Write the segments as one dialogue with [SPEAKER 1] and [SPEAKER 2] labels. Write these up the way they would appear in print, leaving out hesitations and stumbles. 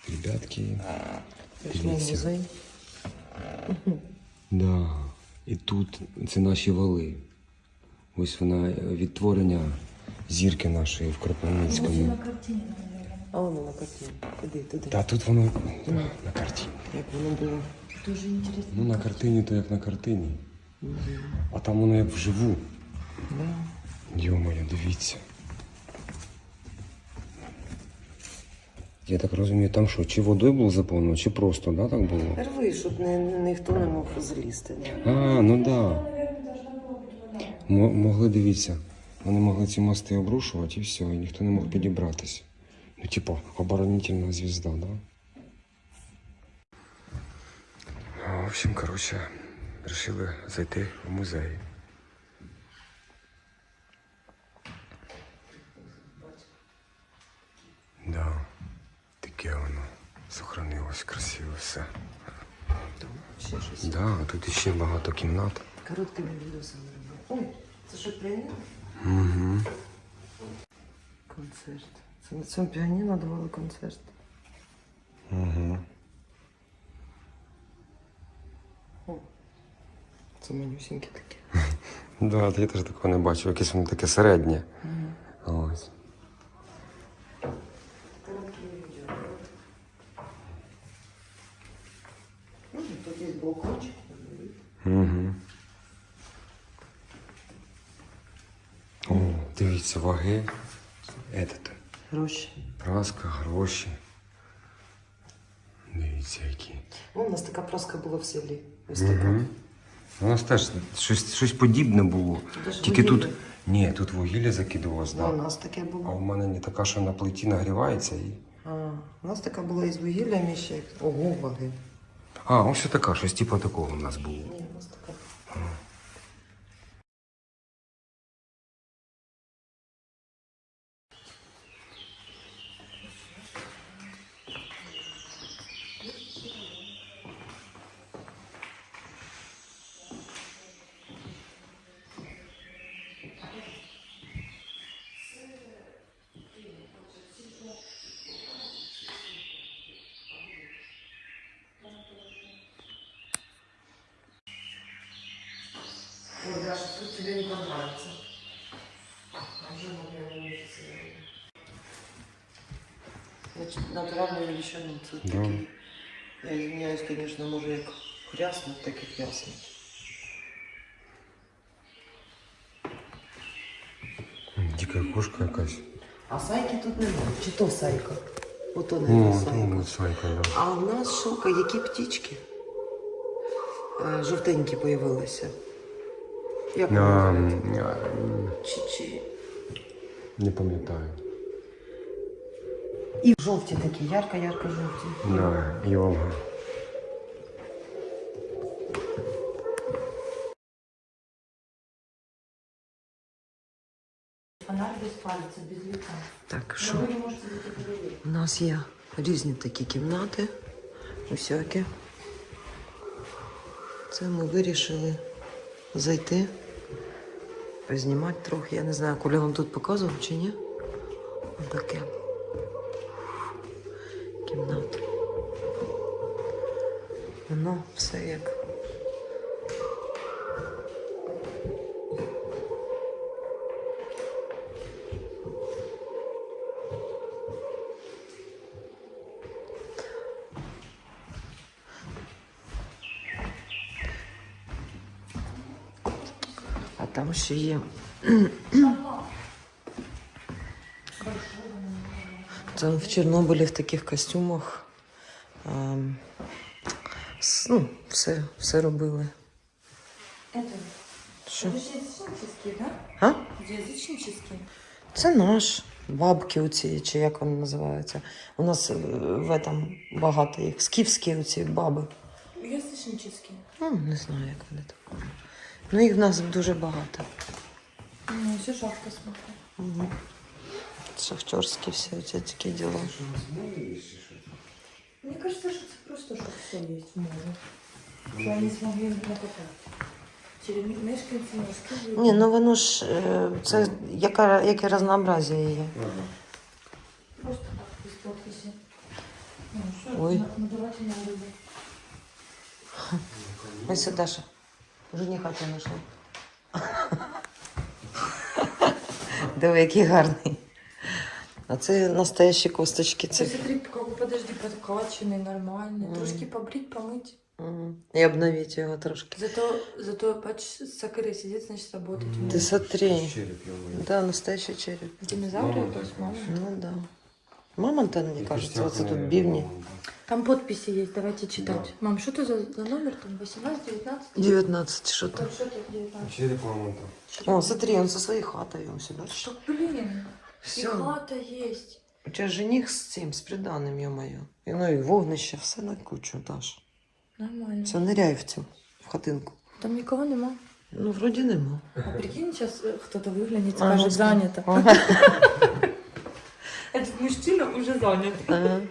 [SPEAKER 1] Ребятки,
[SPEAKER 2] Пішли в музей.
[SPEAKER 1] Да. І тут це наші вали. Ось вона відтворення зірки нашої в Кропивницькому.
[SPEAKER 2] А воно на картині. Іди туди.
[SPEAKER 1] Та тут воно на картині.
[SPEAKER 2] Як воно було. Дуже інтересно.
[SPEAKER 1] Ну на картині то як на картині. А там воно як вживу.
[SPEAKER 2] Да.
[SPEAKER 1] Йо-моє, дивіться. Я так розумію, там що, чи водою було заповнено, чи просто, да, так було?
[SPEAKER 2] Рви, щоб ніхто не мог залізти.
[SPEAKER 1] А, ну да. Могли, дивіться, вони могли ці мости обрушувати і все, і ніхто не мог підібратися. Ну, типа, оборонительна звезда, да? В общем, короче, решили зайти в музей. Да, таке воно сохранилось, красиво все.
[SPEAKER 2] Ще щось.
[SPEAKER 1] Да, тут ще багато кімнат.
[SPEAKER 2] Короткими відосами робили. Ой, це що, піаніно?
[SPEAKER 1] Угу.
[SPEAKER 2] Концерт. Це на цьому піаніно давали концерт.
[SPEAKER 1] Угу.
[SPEAKER 2] О, це манюсінькі такі.
[SPEAKER 1] Да, я теж такого не бачив, якесь воно таке середнє. Ось.
[SPEAKER 2] Короткі відео. Тут є балкончик.
[SPEAKER 1] Угу. О, дивіться, ваги. Этот.
[SPEAKER 2] Гроші.
[SPEAKER 1] Праска, гроші. Дивіться, які.
[SPEAKER 2] О, у нас така праска була в селі. Ось така.
[SPEAKER 1] Угу. У нас теж щось подібне було.
[SPEAKER 2] Даже
[SPEAKER 1] Тільки
[SPEAKER 2] вугілля.
[SPEAKER 1] тут. Ні, тут вугілля закидувалось,
[SPEAKER 2] У
[SPEAKER 1] да.
[SPEAKER 2] нас таке
[SPEAKER 1] А
[SPEAKER 2] було.
[SPEAKER 1] у мене не така, що на плиті нагрівається і.
[SPEAKER 2] У нас така була із вугіллями ще. Ого, ваги.
[SPEAKER 1] А, ось така, щось типу такого у нас було.
[SPEAKER 2] Ні, у нас така. Ой, Даша, тут тебе не понравится. Уже месяца. Значит, натуральные величины. Тут
[SPEAKER 1] Да.
[SPEAKER 2] такие. Я извиняюсь, конечно, може як хряснуть, так і хряснуть.
[SPEAKER 1] Дика кошка якась.
[SPEAKER 2] А сайки тут немає. Чи то сайка? Ото не сайка.
[SPEAKER 1] Ну, сайка, да.
[SPEAKER 2] А у нас шока, які птічки? Жовтенькі появилися. Як вони називаються? Чи...
[SPEAKER 1] Не пам'ятаю.
[SPEAKER 2] І жовті такі, ярко-ярко жовті.
[SPEAKER 1] Да, і Олга.
[SPEAKER 3] Фонарь без пальця, без лица.
[SPEAKER 2] Так, що?
[SPEAKER 3] Ви не можете бути подивитися.
[SPEAKER 2] У нас є різні такі кімнати, усякі. Це ми вирішили зайти, познімати трохи. Я не знаю, Коля вам тут показував чи ні? Ось таке. Кімната. Воно все як. А там ще є. Це в Чорнобилі в таких костюмах. Ну, все робили.
[SPEAKER 3] Это,
[SPEAKER 2] Що?
[SPEAKER 3] это же язычнические, да?
[SPEAKER 2] А?
[SPEAKER 3] Язычнические.
[SPEAKER 2] Це наш. Бабки оці, чи як вони називаються. У нас в этом багато їх. Скіфські оці баби.
[SPEAKER 3] Язычнические.
[SPEAKER 2] Ну, не знаю, як вони там. Ну, їх в нас дуже багато.
[SPEAKER 3] Ну, все шапка смотрю.
[SPEAKER 2] Угу. Шахтерські всі ці такі діла.
[SPEAKER 3] Мне кажется, что это просто, что все есть в море. Что они смогли накопать. Через мешканці морські.
[SPEAKER 2] Ні, ну воно ж, це яке разнообразие є.
[SPEAKER 3] Просто так, без подписи. Ну, все,
[SPEAKER 2] Ой.
[SPEAKER 3] надавать не надо.
[SPEAKER 2] Ось це Даша. Жениха тебе знайшла. Диви, який гарний. А це настоящі косточки.
[SPEAKER 3] Ты
[SPEAKER 2] Це.
[SPEAKER 3] смотри, как, подожди, подкачанный, нормальный. Трошки побрить, помыть.
[SPEAKER 2] І обновити його трошки.
[SPEAKER 3] Зато бачиш, сакари сидит, значит, работать умеет.
[SPEAKER 2] Ти смотри.
[SPEAKER 1] Череп йому.
[SPEAKER 2] Да, настоящий череп.
[SPEAKER 3] Динозавры
[SPEAKER 1] Мама
[SPEAKER 3] это с
[SPEAKER 1] так
[SPEAKER 3] мамой.
[SPEAKER 2] Ну да. Мамонта, мені кажется, оце тут бівні.
[SPEAKER 3] Там подписи есть, давайте читать. Мам, что это за номер там? 18, 19?
[SPEAKER 2] 19, що там.
[SPEAKER 3] Что это 19?
[SPEAKER 1] Череп мамонта.
[SPEAKER 2] О, смотри, он со своей хатой, он сюда.
[SPEAKER 3] Что, блин?
[SPEAKER 2] Все.
[SPEAKER 3] И хата есть.
[SPEAKER 2] У тебя жених з цим, з приданим, ё-моё. І, ну і вогнище, все на кучу, Даш.
[SPEAKER 3] Нормально.
[SPEAKER 2] Все, ныряй в цю, в хатинку.
[SPEAKER 3] Там никого нема.
[SPEAKER 2] Ну, вроді нема.
[SPEAKER 3] А прикинь, сейчас кто-то выглянет и
[SPEAKER 2] А,
[SPEAKER 3] скажет,
[SPEAKER 2] ну,
[SPEAKER 3] занято.
[SPEAKER 2] Ага.
[SPEAKER 3] Этот мужчина уже занят.
[SPEAKER 2] Ага.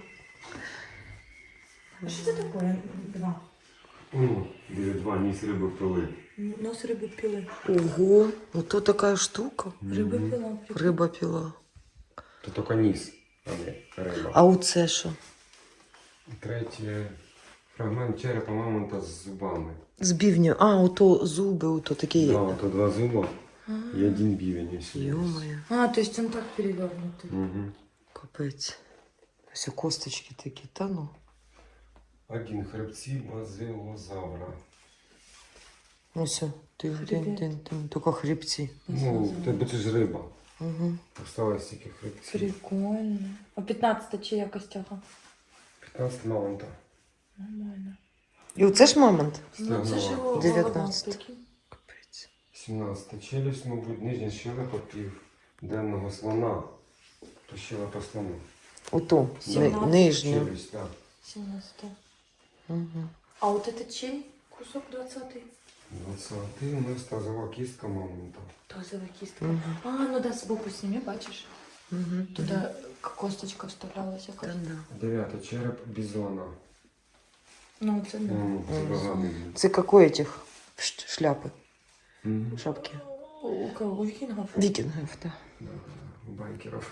[SPEAKER 3] А что это такое? Два.
[SPEAKER 1] Ну, біля 2 ніс риби пили.
[SPEAKER 3] Нос рыбы пилы.
[SPEAKER 2] Ого, ото така штука.
[SPEAKER 3] Рыба пила. прикинь.
[SPEAKER 2] Риба піла.
[SPEAKER 1] То тільки ніс, а не риба.
[SPEAKER 2] А оце що?
[SPEAKER 1] Третє. Фрагмент черепа мамонта з зубами.
[SPEAKER 2] З бівню. А, ото зуби, ото такі.
[SPEAKER 1] Да, то 2 зуба і 1 бівень. якщо є.
[SPEAKER 2] Ё-моё,
[SPEAKER 3] А, то есть он так перевернутый.
[SPEAKER 1] Мгм.
[SPEAKER 2] капець. Ось косточки такі, та ну.
[SPEAKER 1] 1 хребці базилозавра.
[SPEAKER 2] Ось, тин-тин-тин, тільки хребці.
[SPEAKER 1] Ну, бо це ж риба.
[SPEAKER 2] Угу.
[SPEAKER 1] Осталось тільки хребці.
[SPEAKER 3] Прикольно. А 15 чия костяха?
[SPEAKER 1] 15 мамонта.
[SPEAKER 3] Нормально.
[SPEAKER 2] І оце ж мамонт?
[SPEAKER 3] Ну, це ж його
[SPEAKER 2] 19.
[SPEAKER 3] голова, прикинь.
[SPEAKER 2] Капець.
[SPEAKER 1] 17 челюсть, мабуть, нижня щелепа південного слона. То щелепа слона.
[SPEAKER 2] Ото,
[SPEAKER 3] 17.
[SPEAKER 2] нижня.
[SPEAKER 1] Челюсть, так.
[SPEAKER 3] 17.
[SPEAKER 2] Угу.
[SPEAKER 3] А вот это чей кусок 20-й?
[SPEAKER 1] 20 у нас тазова кістка мамонта.
[SPEAKER 3] Тазовая кистка.
[SPEAKER 2] Угу.
[SPEAKER 3] А, ну да, сбоку сними, бачиш?
[SPEAKER 2] Угу.
[SPEAKER 3] Туда косточка вставлялась
[SPEAKER 2] Та
[SPEAKER 3] якась.
[SPEAKER 2] да.
[SPEAKER 1] 9 череп бізона.
[SPEAKER 3] Ну, це да.
[SPEAKER 1] Це багатий.
[SPEAKER 2] Це какой этих шляпи,
[SPEAKER 1] Мгм.
[SPEAKER 2] шапки?
[SPEAKER 3] У кого? У викингов?
[SPEAKER 2] Вікінгів, так.
[SPEAKER 1] Да, у байкерів.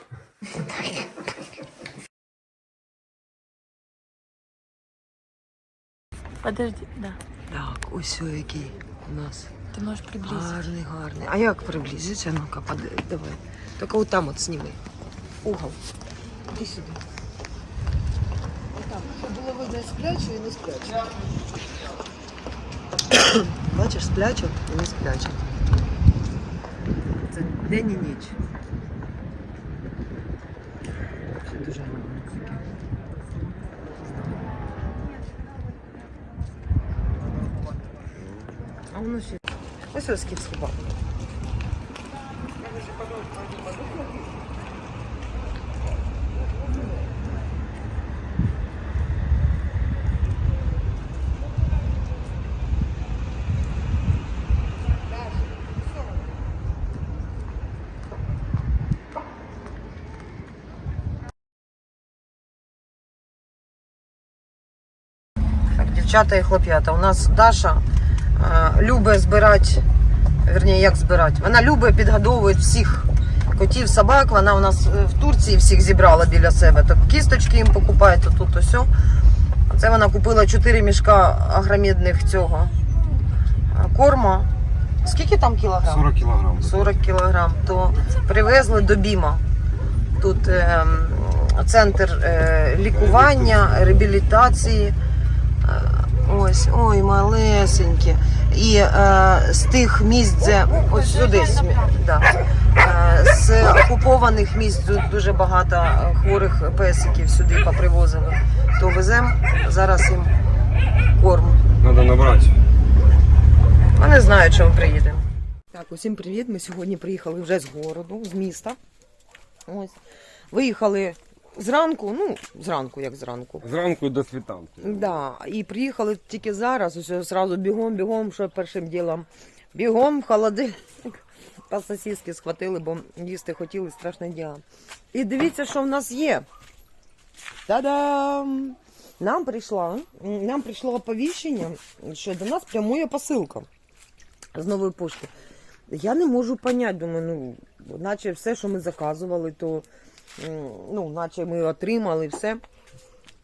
[SPEAKER 3] Подожди, да.
[SPEAKER 2] Так, ось о, який у нас.
[SPEAKER 3] Ты можешь приблизить.
[SPEAKER 2] Гарний, гарний. А як приблизиться? Ну-ка, давай. Тільки от там от сніми. Угол. Іди сюди. Отак, щоб було видно сплячу і не сплячу. Бачиш, сплячу і не сплячу. Це день і ніч. Це дуже гарно. А воно ще. Ось ось скіфський бак. Так, дівчата і хлоп'ята, у нас Даша любить збирати, верніше, як збирати, вона любить підгодовувати всіх котів, собак, вона у нас в Турції всіх зібрала біля себе, так кісточки їм покупає, то тут, то сьо. Це вона купила 4 мішка агромідних цього корма. Скільки там кілограм?
[SPEAKER 1] 40 кілограм.
[SPEAKER 2] 40 кілограм, то привезли до Біма. Тут центр лікування, реабілітації. Ось, ой, малесенькі. І з тих місць, де ось сюди, да, з окупованих місць тут дуже багато хворих песиків сюди попривозили. То веземо зараз їм корм.
[SPEAKER 1] Треба набрати.
[SPEAKER 2] Вони знають, що ми приїдемо. Так, усім привіт. Ми сьогодні приїхали вже з городу, з міста. Ось. Виїхали зранку, ну, зранку, як зранку.
[SPEAKER 1] Зранку до світанки.
[SPEAKER 2] Да, і приїхали тільки зараз, ось одразу бігом, що першим ділом. Бігом, в холодильник. Та сосиски схватили, бо їсти хотіли, страшне діло. І дивіться, що в нас є. Та-дам! Нам прийшло оповіщення, що до нас прямує посилка з нової пошти. Я не можу поняти, думаю, ну, наче все, що ми заказували, то, ну, наче ми отримали все.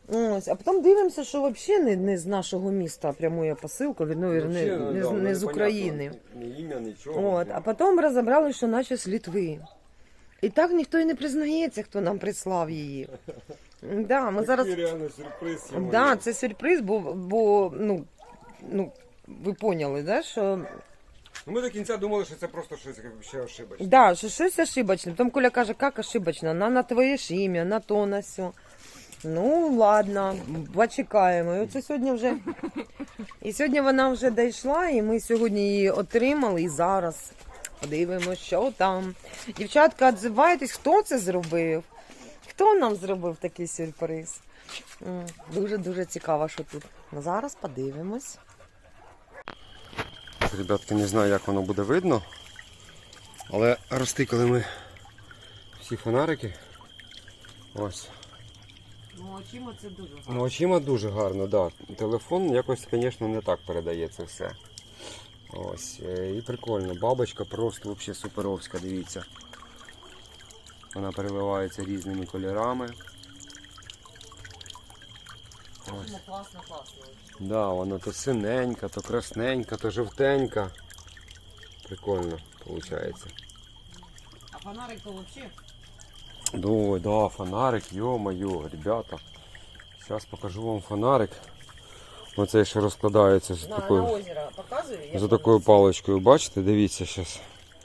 [SPEAKER 2] Ось, а потім дивимося, що взагалі не з нашого міста прямує посилка, не з України.
[SPEAKER 1] Ні ім'я, нічого.
[SPEAKER 2] От, а потім розібрали, що наче з Литви. І так ніхто і не признається, хто нам прислав її. Да, ми зараз...
[SPEAKER 1] реально сюрприз.
[SPEAKER 2] Да, це сюрприз, бо ви поняли, да, що...
[SPEAKER 1] Ми до кінця думали, що це просто щось ще ошибочне.
[SPEAKER 2] Да, що щось ошибочне. Потім Коля каже, як ошибочно, на твоє ж ім'я, на то, на сьо. Ну, ладно, почекаємо. І оце сьогодні вже... І сьогодні вона вже дійшла, і ми сьогодні її отримали, і зараз подивимося, що там. Дівчатка, відзивайтесь, хто це зробив? Хто нам зробив такий сюрприз? Дуже-дуже цікаво, що тут. Ну, зараз подивимось.
[SPEAKER 1] Ребятки, не знаю, як воно буде видно, але розтикали ми всі фонарики. Ось.
[SPEAKER 2] Ну, очима це дуже гарно.
[SPEAKER 1] Ну, очима дуже гарно, так. Да. Телефон якось, звісно, не так передає це все. Ось. І прикольно. Бабочка просто взагалі суперовська, дивіться. Вона переливається різними кольорами. Ось.
[SPEAKER 2] Ну, класно, класно.
[SPEAKER 1] Да, вона то синенька, то красненька, то жовтенька. Прикольно виходить.
[SPEAKER 2] А фонарик то взагалі?
[SPEAKER 1] Ой, да, фонарик, ё-моё, ребята. Сейчас покажу вам фонарик. Оцей ще розкладається з
[SPEAKER 2] На
[SPEAKER 1] такою,
[SPEAKER 2] озеро показую.
[SPEAKER 1] за такою паличкою. Бачите, дивіться зараз.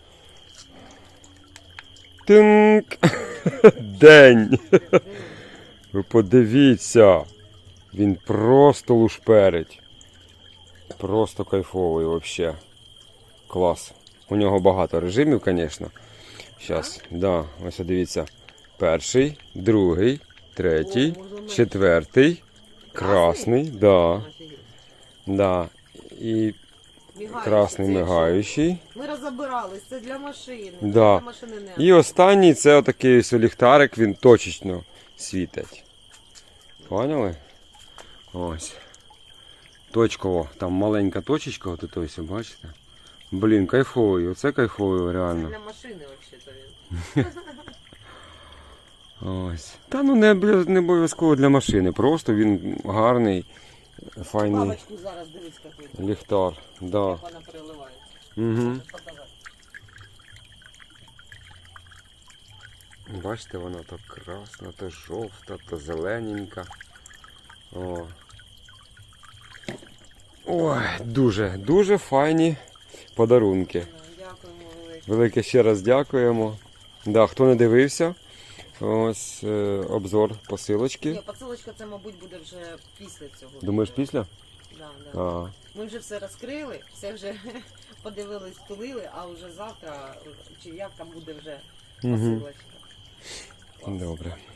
[SPEAKER 1] Тинк! День! Ви подивіться. Він просто лушперить. Просто кайфовий взагалі. Клас. У нього багато режимів, звісно. Зараз, да, ось дивіться. Перший, другий, третій, четвертий, красний, да. Да. І красний мигаючий.
[SPEAKER 2] Ми розбирались, це для машини.
[SPEAKER 1] Да.
[SPEAKER 2] Для машини не.
[SPEAKER 1] І останній це отакий ось ліхтарик, він точечно світить. Поняли? Ось. Точково, там маленька точечка, от ось, бачите? Блін, кайфовий, оце кайфовий, реально.
[SPEAKER 2] Для машини взагалі-то він.
[SPEAKER 1] Ось. Та ну не обов'язково для машини, просто він гарний, файний
[SPEAKER 2] Бабочку зараз дивись, який.
[SPEAKER 1] ліхтар. Да.
[SPEAKER 2] Як вона переливається.
[SPEAKER 1] Угу.
[SPEAKER 2] Показати.
[SPEAKER 1] Бачите, вона то красна, то жовта, то зелененька. О. Ой, дуже файні подарунки.
[SPEAKER 2] Дякуємо велике.
[SPEAKER 1] Велике ще раз дякуємо. Да, хто не дивився, ось обзор посилочки.
[SPEAKER 2] Ні, посилочка це, мабуть, буде вже після цього.
[SPEAKER 1] Думаєш, після?
[SPEAKER 2] Да, да.
[SPEAKER 1] А,
[SPEAKER 2] Ми вже все розкрили, все вже подивились, тулили, а вже завтра, чи як там буде вже
[SPEAKER 1] Угу.
[SPEAKER 2] посилочка.
[SPEAKER 1] Добре.